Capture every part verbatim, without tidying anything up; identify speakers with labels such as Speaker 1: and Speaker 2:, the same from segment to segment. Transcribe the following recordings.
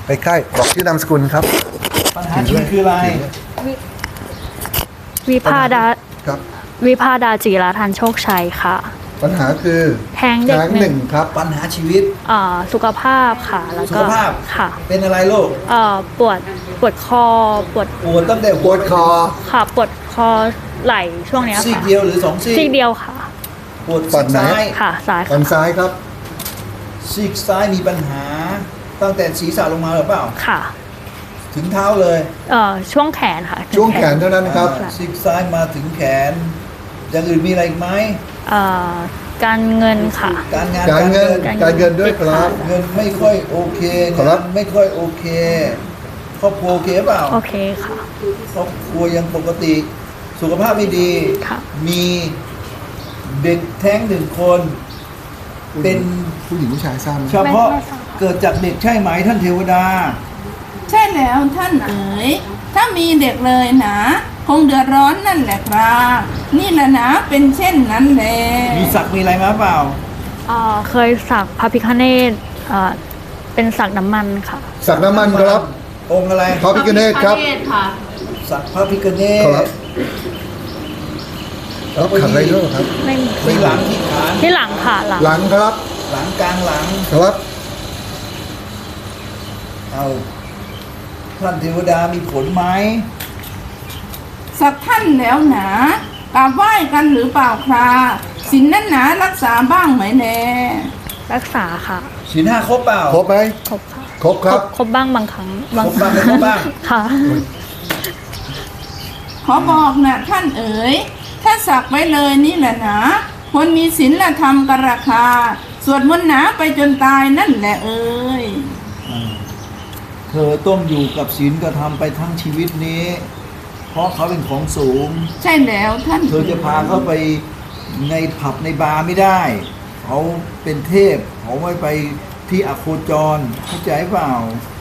Speaker 1: ใกล้ๆบอกชื่อนามสกุลครับ
Speaker 2: ปัญหาชีวิตคืออะไร
Speaker 3: วิภาดา
Speaker 1: ครับ
Speaker 3: วิภาดาจิราทันโชคชัยค่ะ
Speaker 1: ปัญหาคือ
Speaker 3: แท้งเด็ก
Speaker 1: แท้ง
Speaker 3: ห
Speaker 1: ห
Speaker 3: นึ่
Speaker 1: นึ่
Speaker 3: ง
Speaker 1: งครับ
Speaker 2: ปัญหาชีวิต
Speaker 3: เอ่อสุขภาพค่ะ แล้ว
Speaker 2: สุ
Speaker 3: ก็
Speaker 2: ขภาพ
Speaker 3: ค่ะ
Speaker 2: เป็นอะไรโรค
Speaker 3: เอ่อปวดปวดคอปวด
Speaker 2: ปวดตั้งแต่
Speaker 1: ปวดคอ
Speaker 3: ค่ะปวดคอไหล่ช่วงเนี้ย
Speaker 2: ซีก
Speaker 3: ค่ะ
Speaker 2: เดียวหรือสองซีก
Speaker 3: ซีกเดียวค่ะ
Speaker 2: ปวด
Speaker 1: ฝั่
Speaker 2: ซี
Speaker 1: ง
Speaker 2: ก
Speaker 1: ไหน
Speaker 2: ซ้าย
Speaker 3: ค่ะซ้าย
Speaker 1: ฝั่
Speaker 3: ค่ะ
Speaker 1: งซ้ายครับ
Speaker 2: ซีกซ้ายมีปัญหา ตั้งแต่ศีรษะลงมาหรือเปล่า
Speaker 3: ค่ะ
Speaker 2: ถึงเท้าเลย
Speaker 3: เอ่อช่วงแขนค่ะถึ
Speaker 1: ช่วงแขนเท่านั้นครับ
Speaker 2: อ่าซีกซ้ายมาถึงแขน อย่างอื่นมีอะไรอีกไหม
Speaker 3: เอ่อการเงินค่ะ
Speaker 2: การงาน
Speaker 1: การเงิน
Speaker 3: การเงิน
Speaker 1: การเงินด้วยครับ
Speaker 2: เงินไม่ค่อยโอเค
Speaker 1: ขอรับ
Speaker 2: งานไม่ค่อยโอเคครอบครัวโอเคเปล่า
Speaker 3: โอเคค่ะ
Speaker 2: ครอบครัวยังปกติ สุขภาพไม่ดี
Speaker 3: ค่ะ
Speaker 2: มีเด็กแท้งหนึ่งคน เป็น
Speaker 1: ผู้หญิงผู้ชายทราบไหม
Speaker 2: เฉพาะ
Speaker 3: ไม่ทราบ
Speaker 2: เกิดจากเด็กใช่ไหมท่านเทวดา
Speaker 4: ใช่แล้วท่านเอ๋ย ถ้ามีเด็กเลยนะ คงเดือดร้อนนั่นแหละครับนี่แหละนะเป็นเช่นนั้นแหละ
Speaker 2: มีศักดิ์มีอะไรมาเปล่า
Speaker 3: เอ่อเคยสักพระพิฆเนศเอ่อเป็นสักน้ำมันค่ะ
Speaker 1: สักน้ำมันครับ
Speaker 2: องค์อะไร
Speaker 1: พระพิฆเนศครับ
Speaker 2: สักพระพิฆเน
Speaker 1: ขอ
Speaker 2: ศ
Speaker 1: รับแล้วขัดอะไรด้วยครับ
Speaker 3: ไม่มี
Speaker 2: ที่หลังที่ฐาน
Speaker 3: ที่หลังค่ะหลัง
Speaker 1: หลังครับ
Speaker 2: หลังกลางหลัง
Speaker 1: ครับ
Speaker 2: เอาท่านเทวดามีผลไหม
Speaker 4: สักท่านแล้วหนากราบไหว้กันหรือเปล่าครับสินนั้นหนารักษาบ้างไหมแน่
Speaker 3: รักษาค่ะ
Speaker 2: ศีลห้าครบเปล่า
Speaker 1: ครบไหม
Speaker 3: ครบค่ะ
Speaker 1: ครบครับ
Speaker 3: ครบบ้างบางครั้ง
Speaker 2: ครบบ้างไม่ครบบ้าง
Speaker 3: ค่ะ
Speaker 4: ขอบอกนะท่านเอ๋ย ถ้าสักไว้เลยนี่แหละนะคนมีศีลธรรมกราคา สวดมนต์หนาไปจนตายนั่นแหละเอ๋ย
Speaker 2: เธอต้องอยู่กับศีลกระทำไปทั้งชีวิตนี้ เพราะเขาเป็นของสูง
Speaker 4: ใช่แล้วท่าน
Speaker 2: เธอจะพาเขาไปในผับในบาร์ไม่ได้ เขาเป็นเทพ เขาไม่ไปที่อโคจร เข้าใจเปล่า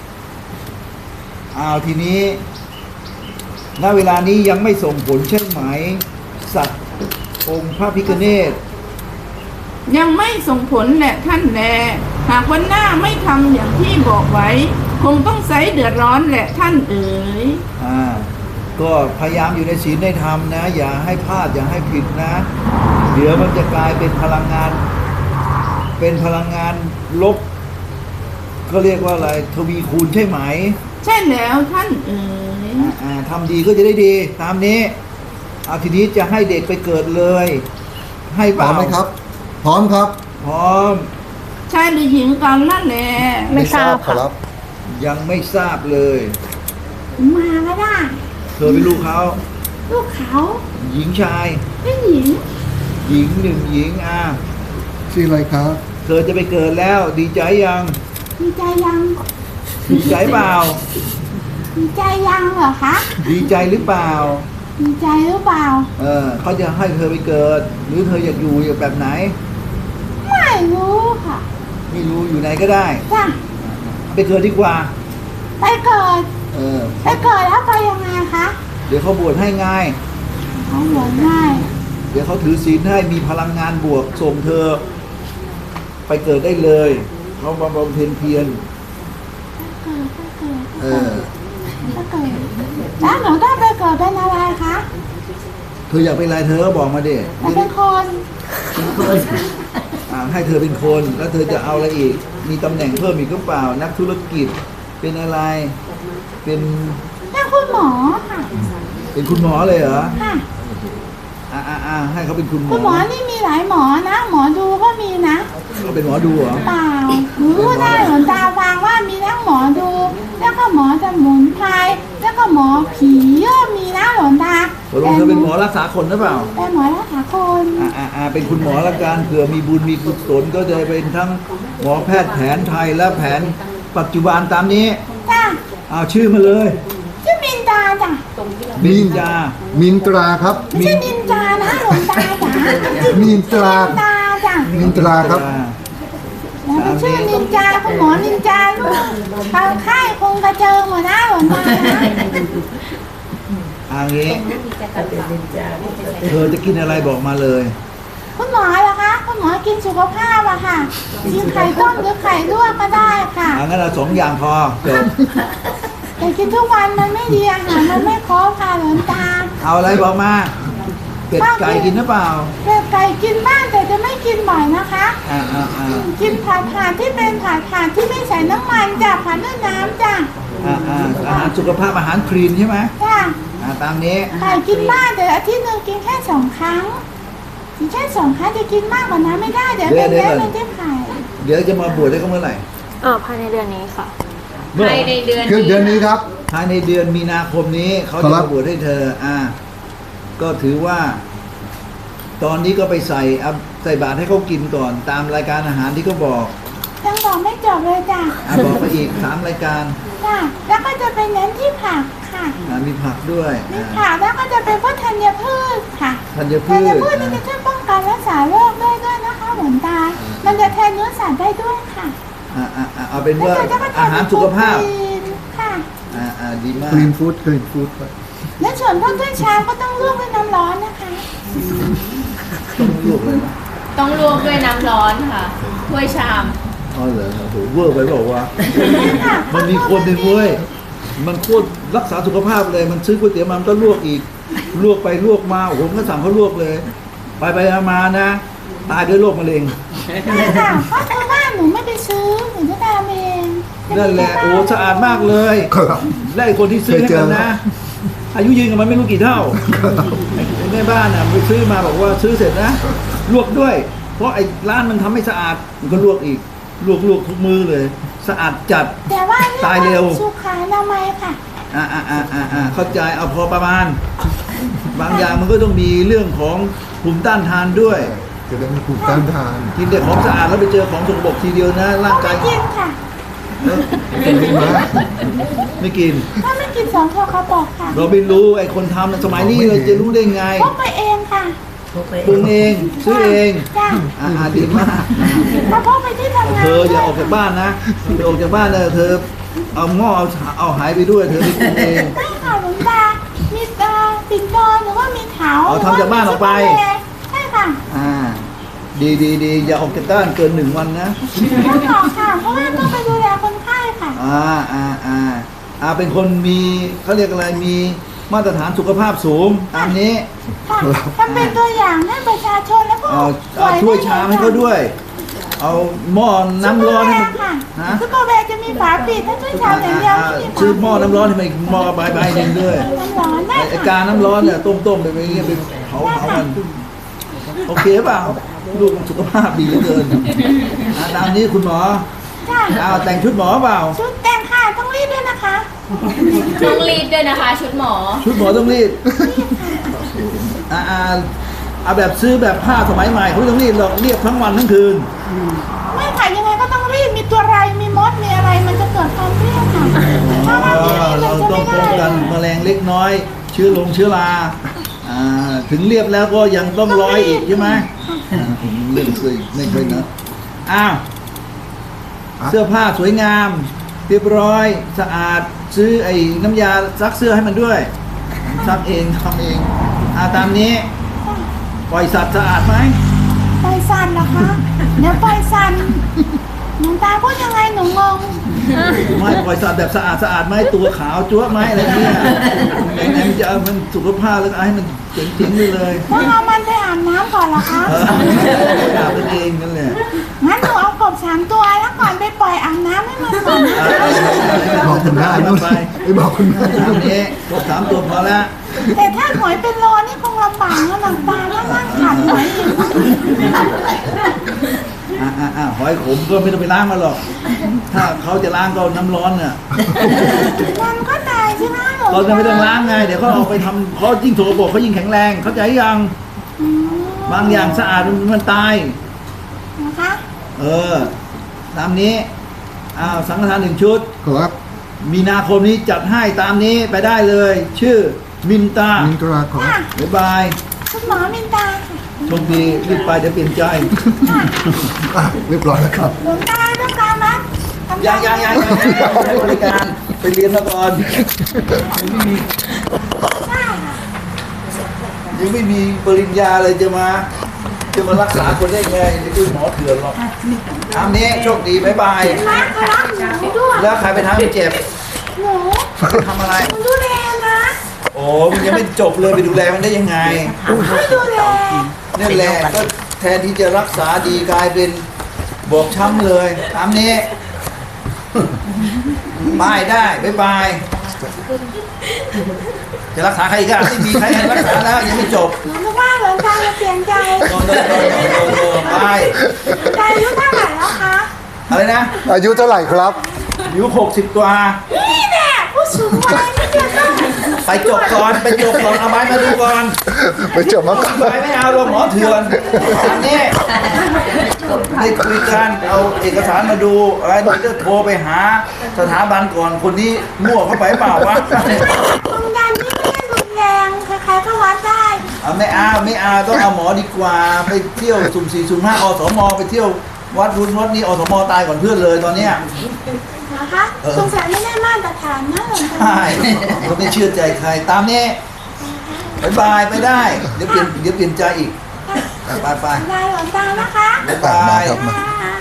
Speaker 2: อ้าวทีนี้ ณ เวลานี้ยังไม่ส่งผลใช่ไหม สัตว์องค์พระพิฆเนศ
Speaker 4: ยังไม่ส่งผลแหละท่านแลหากวันหน้าไม่ทำอย่างที่บอกไว้ คงต้องใช้เดือดร้อนแหละท่านเอ๋ย
Speaker 2: อ่า ก็พยายามอยู่ในศีลในธรรมนะ อย่าให้พลาดอย่าให้ผิดนะ เดี๋ยวมันจะกลายเป็นพลังงาน เป็นพลังงานลบ ก็เรียกว่าอะไรทวีคูณใช่ไหม
Speaker 4: ใช่แล้วท่านเอ๋ย
Speaker 2: อ่าอ่าทำดีก็จะได้ดี ตามนี้เอาทีนี้จะให้เด็กไปเกิดเลย ให้
Speaker 1: พ
Speaker 2: เป
Speaker 1: ร้อ
Speaker 2: ล่าม
Speaker 1: ไหมครับ พร้อมครับ
Speaker 2: พร้อม
Speaker 4: ชายหรือหญิงกันนั่นแหละ
Speaker 3: ไม่ทราบ
Speaker 1: ขอ
Speaker 3: ค่ะ
Speaker 1: รับ
Speaker 2: ยังไม่ทราบเลย
Speaker 4: มาก็ได้
Speaker 2: เธอเป็นลูกเขา
Speaker 4: ลูกเขา
Speaker 2: หญิงชาย
Speaker 4: ไม่หญิง
Speaker 2: หญิงหนึ่งหญิงอ่า
Speaker 1: ชื่ออะไรครับ
Speaker 2: เธอจะไปเกิดแล้ว ดีใจยัง
Speaker 4: มีใจยัง
Speaker 2: ดีใจเปล่า
Speaker 4: มีใจยังเหรอคะ
Speaker 2: ดีใจหรือเปล่า
Speaker 4: มีใจหรือเปล่า
Speaker 2: เออเขาจะให้เธอไปเกิด หรือเธออยากอยู่แบบไหน
Speaker 4: ไม่รู้ค่ะ
Speaker 2: ไม่รู้อยู่ไหนก็ได้
Speaker 4: จ้ะ
Speaker 2: ไปเกิดดีกว่า
Speaker 4: ไปเกิด
Speaker 2: เออ
Speaker 4: ไปเกิดแล้วไปยังไงคะ
Speaker 2: เดี๋ยวเขาบวชให้ง่าย
Speaker 4: เขาเหมือนง่าย
Speaker 2: เดี๋ยวเขาถือศีลให้มีพลังงานบวกส่งเธอ ไปเกิดได้เลยเขาบำบำเพ็ญเพียร
Speaker 4: เกิดไปเกิด
Speaker 2: เออ
Speaker 4: ไปเกิดแล้วหนูต้องไปเกิดเป็นอะไรคะ
Speaker 2: เธออยากเป็นอะไรเธอก็บอกมาดิ
Speaker 4: ไปเป็นคน
Speaker 2: อ่าให้เธอเป็นคนแล้วเธอจะเอาอะไรอีก มีตำแหน่งเพิ่มอีกหรือเปล่า นักธุรกิจเป็นอะไร เป็น
Speaker 4: เป็นคุณหมอค่ะ
Speaker 2: เป็นคุณหมอเลยเหรอ
Speaker 4: ค่ะ
Speaker 2: อ่าอ่าอ่าให้เขาเป็นคุณหม
Speaker 4: คุ
Speaker 2: อ
Speaker 4: ณหมอนี่มีหลายหมอนะ หมอดูก็มีนะ
Speaker 2: เขาเป็นหมอดูเหรอ
Speaker 4: เปล่าหนูรู้ได้หลวงตาฟังว่ามีทั้งหมอดู แล้วก็หมอสมุนไพรแล้วก็หมอผีก็มีนะหลวงตา
Speaker 2: ตกลงเธอเป็นหมอรักษาคนหรือเปล่า
Speaker 4: เป็นหมอรักษาคน
Speaker 2: อ่าอ่าอ่าเป็นคุณหมอละกันเผื่อมีบุญมีกุศลก็จะเป็นทั้งหมอแพทย์แผนไทยและแผนปัจจุบันตามนี้
Speaker 4: จ้ะ
Speaker 2: เอาชื่อมาเลย
Speaker 4: ชื่อมินตาจ้ะ
Speaker 2: มินจา
Speaker 1: มินตราครับ
Speaker 4: ไม่ใช่นินจานะหลวงตาจ๋า
Speaker 1: มินตรา
Speaker 4: นินตาจ้ะ
Speaker 1: มินตราครับ
Speaker 4: แล้วเป็นชื่อนินจาคุณหมอนินจาลูกทางค่ายคงกระเจิงหมดนะหลวงตานะ
Speaker 2: อันนี้เธอจะกินอะไรบอกมาเลย
Speaker 4: คุณหมอเหรอคะคุณหมอมอกินสุขภาพอะค่ะกินไข่ต้มหรือไข่ลวกก็ได้ค่ะ
Speaker 2: อ่างั้นเราสองอย่างพอจบ
Speaker 4: แต่กินทุกวันมันไม่ดีอาหารมันไม่ครบค่ะหลวงตา
Speaker 2: เอาอะไรบอกมาเป็ดไก่กินหรือเปล่า
Speaker 4: เป็ดไก่กินบ้างแต่จะไม่กินบ่อยนะคะ
Speaker 2: อ่าอ่าอ่า
Speaker 4: กินผัดผัดที่เป็นผัดผัดที่ไม่ใส่น้ำมันจ้ะผัดด้วยน้ำจ้ะ
Speaker 2: อ่าอ่าอาหารสุขภาพอาหารคลีนใช่ไหม
Speaker 4: จ้ะ
Speaker 2: อ่าตามนี้
Speaker 4: ไก่กินบ้างแต่อาทิตย์หนึ่งกินแค่สองครั้งกินแค่สองครั้งจะกินมากกว่านั้นไม่ได้เดี๋ยวเป็นเล็มันจะไข่
Speaker 2: เดี๋ยวจะมาบวชได้ก็เมื่อไหร่
Speaker 3: เออภายในเดือนนี้ค่ะ
Speaker 2: เมื่อ
Speaker 5: ภายในเดือน
Speaker 1: คือเดือนนี้ครับ
Speaker 2: ภายในเดือนมีนาคมนี้เขา
Speaker 1: ครั
Speaker 2: จะ
Speaker 1: บ
Speaker 2: มาบวชให้เธอ อ่า ก็ถือว่า ตอนนี้ก็ไปใส่เอาใส่บาตรให้เขากินก่อน ตามรายการอาหารที่เขาบอก
Speaker 4: ยังบอกไม่จบเลยจ้ะ
Speaker 2: อ่าบอกไปอีกสามรายการ
Speaker 4: จ้ะแล้วก็จะเป็นเน้นที่ผักค่ะ
Speaker 2: อ่ามีผักด้วย
Speaker 4: มี
Speaker 2: อ่า
Speaker 4: ผักแล้วก็จะเป็นพวกธัญพืชค่ะ
Speaker 2: ธัญ
Speaker 4: ธั
Speaker 2: พื
Speaker 4: ญ
Speaker 2: ช
Speaker 4: พืชนี่จะช่วยป้องกันรักษาโรคได้ด้วยนะคะหลวงตา มันจะแทนเนื้อสัตว์ได้ด้วยค่ะ
Speaker 2: อ่าอ่าอ่าเอาเป็น
Speaker 4: แล้ว
Speaker 2: ว่า
Speaker 4: ก็จะมาแท
Speaker 2: อาน หารสุขภาพ
Speaker 4: โปรตีนค่ะ
Speaker 2: อ่าอ่าดีมาก
Speaker 1: คลีนฟู้ดคลีนฟู้ด
Speaker 4: และส่วนพวกถ้วยชามก็ต้องลวกด้วยน้ำร้อนนะคะ
Speaker 2: ต้องลวกเลยนะ
Speaker 5: ต้องลวกด้วยน้ำร้อนค่ะถ้วยชาม
Speaker 2: อ๋อเหรอโอ้โหเวอร์ไปบอกว่า
Speaker 4: ค่ะ
Speaker 2: มันมีคนหนึ่งเว้ย มันโคตรรักษาสุขภาพเลย มันซื้อก๋วยเตี๋ยวมามันก็ลวกอีก ลวกไปลวกมาโอ้โหผมก็สั่งเขาลวกเลย ไปไปมานะ ตายด้วยโรคมะเร็ง
Speaker 4: ใช่ค่ะเพราะชาวบ้านหนูไม่ไปซื้อหนูจะทำเอง
Speaker 2: นั่นแหละ โอ้สะอาดมากเลย
Speaker 1: ครับ
Speaker 2: และไอ้คนที่ซื้อให้มันนะ อายุยืนกับมันไม่รู้กี่เท่าไอ้แม่บ้านน่ะไปซื้อมาบอกว่าซื้อเสร็จนะ ลวกด้วย เพราะไอ้ร้านมันทำไม่สะอาด มันก็ลวกอีก ลวกลวกทุกมือเลย สะอาดจัด
Speaker 4: แต่ว่า
Speaker 2: ตายเร็ว
Speaker 4: สุขาอนามัยค่ะ
Speaker 2: อ่าอ่าอ่าอ่าอ่าเข้าใจเอาพอประมาณ บางอย่างมันก็ต้องมีเรื่องของภูมิต้านทานด้วย
Speaker 1: จะได้มีภูมิต้านทาน
Speaker 2: กินแต่ของสะอาดแล้วไปเจอของสกปรกทีเดียวนะ ร่าง
Speaker 4: ก็
Speaker 2: กา
Speaker 4: ไม่
Speaker 2: ย
Speaker 4: กินค่ะ
Speaker 2: เอ้อ
Speaker 1: กินไหม
Speaker 2: ไม่กิน
Speaker 4: ถ้าไม่กินสองข้อเขาบอกค่ะ
Speaker 2: เราไม่รู้ไอ้คนทำน่ะสมัยนี้เราจะรู้ได้ไง
Speaker 4: พกไปเองค่ะ
Speaker 2: ปรุงเองซื้อเอง
Speaker 4: จ้ะ
Speaker 2: อ่าอ่าดีมาก
Speaker 4: ถ้าพกไปที่ทำงาน
Speaker 2: เธออย่าออกจากบ้านนะเธอออกจากบ้านเลยเธอ เอาหม้อเอาฉาเอาหายไปด้วย เธอไปปรุงเอง
Speaker 4: ไม่ค่ะหลวงตา มีเอ่อปิ่นโตหรือว่ามีเถา
Speaker 2: เอาทำจากบ้านออกไป
Speaker 4: ใช่ค่ะ
Speaker 2: อ่า ดีดีดีอย่าออกจากบ้านเกินหนึ่งวันนะ
Speaker 4: ต้องออกค่ะ เพราะว่าต้องไปดูแลคนไข้ค่ะ
Speaker 2: อ่าอ่าอ่าอ่าเป็นคนมีเขาเรียกอะไรมีมาตรฐานสุขภาพสูงตามนี้
Speaker 4: ค่ะทำเป็นตัวอย่างให้ประชาชนและผู้
Speaker 2: เอา
Speaker 4: ป่
Speaker 2: เอา
Speaker 4: วย
Speaker 2: ถ้วยชามให้เขาด้วย เอาหม้อน้ำร้อนให้มัน
Speaker 4: ค่ะ
Speaker 2: ฮะ
Speaker 4: ซุปเปอร์แวร์จะมีฝาปิดถ้าถ้วยชามอย่างเดียว
Speaker 2: อ่า
Speaker 4: ไม่มีฝา
Speaker 2: ซื้อหม้อน้ำร้อนให้มันอีกหม้อใบใบหนึ่งด้วย
Speaker 4: น้ำร้อนได้
Speaker 2: ไอ้ไอ้
Speaker 4: ค่ะ
Speaker 2: กาน้ำร้อนเนี่ยต้มต้มๆไปไปเงี้ยไปเผาเผามันโอเคเปล่าลูกมันสุขภาพดีเหลือเกินอ่าตามนี้คุณหมอ
Speaker 4: จ้ะ
Speaker 2: เอาแต่งชุดหมอเปล่า
Speaker 4: ชุดแต่งค่ะต้องรีบด้วยนะคะ
Speaker 5: ต้องรีดด้วยนะคะ ชุดหมอ
Speaker 2: ชุดหมอต้องรีดอ่าอ่าเอาแบบซื้อแบบผ้าสมัยใหม่เขาไม่ต้องรีดหรอกเรียบทั้งวันทั้งคืน
Speaker 4: ไม่ค่ะยังไงก็ต้องรีบมีตัวไรมีมดมีอะไรมันจะเกิดความเครียดค่ะถ้าว่าไม่รีบ
Speaker 2: เรา
Speaker 4: มันจะ
Speaker 2: ต้อง
Speaker 4: ไม่
Speaker 2: ป้อง
Speaker 4: ได้
Speaker 2: กันแมลงเล็กน้อย เชื้อลงเชื้อราอ่าถึงเรียบแล้วก็ยังต้องร้อยอีกใช่ไหมอ่าผมเล่นเคยไม่เคยนะอ้าวเสื้อผ้าสวยงาม เรียบร้อยสะอาดซื้อไอ้น้ำยาซักเสื้อให้มันด้วยซักเองทำเองอ่าตามนี้ปล่อยสัตว์สะอาดไหม
Speaker 4: ปล่อยสันเหรอคะเดี๋ยวปล่อยสันหลวงตาพูดยังไงหนูงง
Speaker 2: ไม่ปล่อยสัตว์แบบสะอาดสะอาดไหมตัวขาวจั๊วะไหมอะไรเงี้ยไหนๆมันจะเอามันสุขภาพแล้วก็เอาให้มันเจ๋งๆไปเลย
Speaker 4: ต้องเอามันไปอาบน้ำก่อนเหรอคะ
Speaker 2: เอออาบกันเองนั่นแหละ
Speaker 4: งั้นหนูเอากบสามตัวแล้วก่อนไปปล่อยอาบน้ำให้มันก่อนนะ
Speaker 1: บอกคุณแม่นู่น
Speaker 2: ไป
Speaker 1: ไปบอกคุณแม่
Speaker 2: ตามนี้ครบสามตัวพอแล้ว
Speaker 4: แต่ถ้าหอยเป็นโลนี่คงลำบากนะหลวงตาถ้านั่งขัดหอยอีก
Speaker 2: อ่าอ่าอ่าหอยขมก็ไม่ต้องไปล้างมาหรอก ถ้าเขาจะล้างก็เอาน้ำร้อนน่ะ
Speaker 4: มันก็ตายใช่ไหมหลวง
Speaker 2: เรา
Speaker 4: ตา
Speaker 2: จะไม่ต้องล้างไง เดี๋ยวเขาเอาไปทำเขายิ่งโถกระบอกเขายิ่งแข็งแรง เข้าใจยัง
Speaker 4: อืม
Speaker 2: บางอย่างสะอาดมันมันตาย
Speaker 4: นะคะ
Speaker 2: เออ ตามนี้อ้าวสังฆทานหนึ่งชุด
Speaker 1: ครับ
Speaker 2: มีนาคมนี้จัดให้ตามนี้ไปได้เลย ชื่อมินตา
Speaker 1: มินตราครับ
Speaker 4: ค่ะ
Speaker 2: บ๊ายบาย
Speaker 4: คุณหมอมินตาค่ะ
Speaker 2: โชคดีรีบไปเดี๋ยวเปลี่ยนใจ
Speaker 1: อ่ะเรียบร้อยแล้วครับ
Speaker 4: หลวงตาต้องการไหมทำ
Speaker 2: ยังยังยังยังให้บริการไปเรียนมาก่อนยังไม่มี
Speaker 4: ใช่ค่ะ
Speaker 2: ยังไม่มีปริญญาเลยจะมาจะมารักษาคนได้ไงนี่คือหมอเถื่อนหรอกตามนี้โชคดีบ๊ายบาย
Speaker 6: มาเขารับหนูด้วย
Speaker 2: แล้วใครไปทำให้เจ็บ
Speaker 6: หนู
Speaker 2: ไปทำอะไร
Speaker 6: หนูดูแลนะ
Speaker 2: โอ้มันยังไม่จบเลยไปดูแลมันได้ยังไง
Speaker 6: ไม่ดูแล
Speaker 2: นี่นแหละก็แทนที่จะรักษาดีกลายเป็นบอบช้ำเลยตามนี้บายได้บ๊ายบายจะรักษาใครอีกอ่ะไม่มีใครให้รักษาแล้วยังไม่จบ
Speaker 6: หนูนึกว่าหลวงตาจะเปลี่ยนใจ
Speaker 2: โดนโดนโดนโดนโดนไป
Speaker 6: หลวงตาอายุเท่าไหร่แล้วคะ
Speaker 2: อะไรนะ
Speaker 1: อายุเท่าไหร่ครับ
Speaker 2: อายุหกสิบกว่า
Speaker 6: นี่แหละผู้สูงวัยไม่เกี่ยวกับ
Speaker 2: ไปจบก่อนไปจบก่อนเอาไม้มาดูก่อน
Speaker 1: ไปเจอมาก่อน
Speaker 2: ไปไม่เอาลงหมอเถื่อนอันนี้ได้คุยกันเอาเอกสารมาดูอะไรเดี๋ยวจะโทรไปหาสถาบันก่อนคนนี้มั่วเข้าไปเปล่าวะ
Speaker 6: ความดันนี่ไม่ได้รุนแรงใครๆก็วัดได้
Speaker 2: เอาไม่เอาไม่เอาต้องเอาหมอดีกว่าไปเที่ยวสุ่มสี่สุ่มห้าอสมไปเที่ยววัดรุนวัดนี้อสมตายก่อนเพื่อนเลยตอนเนี้ย
Speaker 6: นะคะสงสัยไม่ได้มาตรฐานนะหลวงตา
Speaker 2: ใช่เขาไม่เชื่อใจใครตามนี้บายบายไปได้เดี๋ยวเปลี่ยนเดี๋ยวเปลี่ยนใจอีกไปไป
Speaker 6: ได้หลวงตานะคะ
Speaker 2: บ๊ายบาย
Speaker 1: ครับ
Speaker 6: ค่ะ